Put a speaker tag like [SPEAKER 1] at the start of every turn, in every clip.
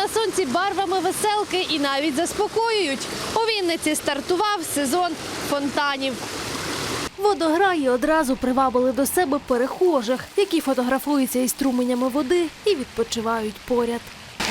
[SPEAKER 1] на сонці барвами веселки і навіть заспокоюють. У Вінниці стартував сезон фонтанів. Водограї одразу привабили до себе перехожих, які фотографуються із струменями води і відпочивають поряд.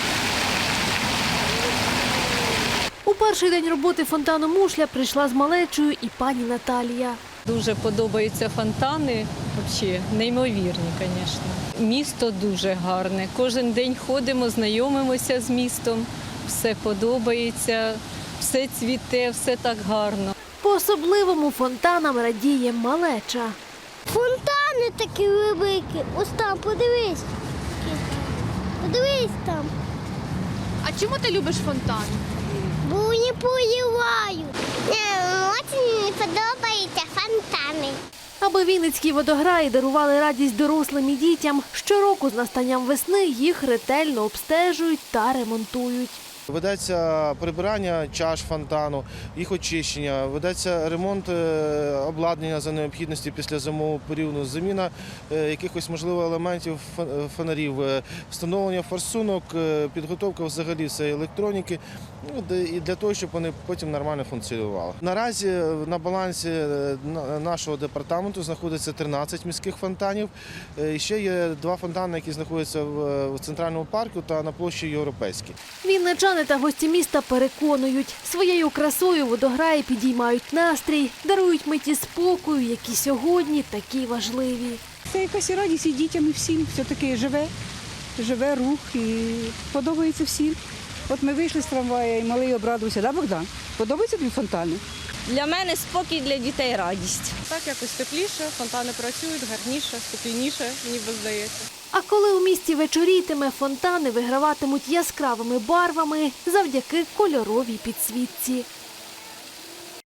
[SPEAKER 1] У перший день роботи фонтану «Мушля» прийшла з малечою і пані Наталія.
[SPEAKER 2] Дуже подобаються фонтани, взагалі неймовірні, звісно. Місто дуже гарне. Кожен день ходимо, знайомимося з містом, все подобається, все цвіте, все так гарно.
[SPEAKER 1] По-особливому фонтанам радіє малеча.
[SPEAKER 3] Фонтани такі великі. Ось там, подивись. Подивись там.
[SPEAKER 1] А чому ти любиш фонтан?
[SPEAKER 3] Бо вони поливають. Дуже мені подобаються фонтани.
[SPEAKER 1] Аби вінницькі водограї дарували радість дорослим і дітям, щороку з настанням весни їх ретельно обстежують та ремонтують.
[SPEAKER 4] Ведеться прибирання чаш фонтану, їх очищення, ведеться ремонт обладнання за необхідності після зимового періоду, заміна якихось, можливо, елементів фонарів, встановлення форсунок, підготовка взагалі всієї електроніки, і для того, щоб вони потім нормально функціонували. Наразі на балансі нашого департаменту знаходиться 13 міських фонтанів. І ще є 2 фонтани, які знаходяться в Центральному парку та на площі Європейській.
[SPEAKER 1] Вінничани та гості міста переконують, своєю красою водограї підіймають настрій, дарують миті спокою, які сьогодні такі важливі.
[SPEAKER 5] Це якась радість і дітям, і всім. Все-таки живе рух і подобається всім. От ми вийшли з трамвая і малий обрадувався, да, Богдан? Подобаються тобі фонтани?
[SPEAKER 6] Для мене спокій, для дітей радість.
[SPEAKER 7] Так якось тепліше, фонтани працюють, гарніше, спокійніше, ніби здається.
[SPEAKER 1] А коли у місті вечорітиме, фонтани виграватимуть яскравими барвами завдяки кольоровій підсвітці.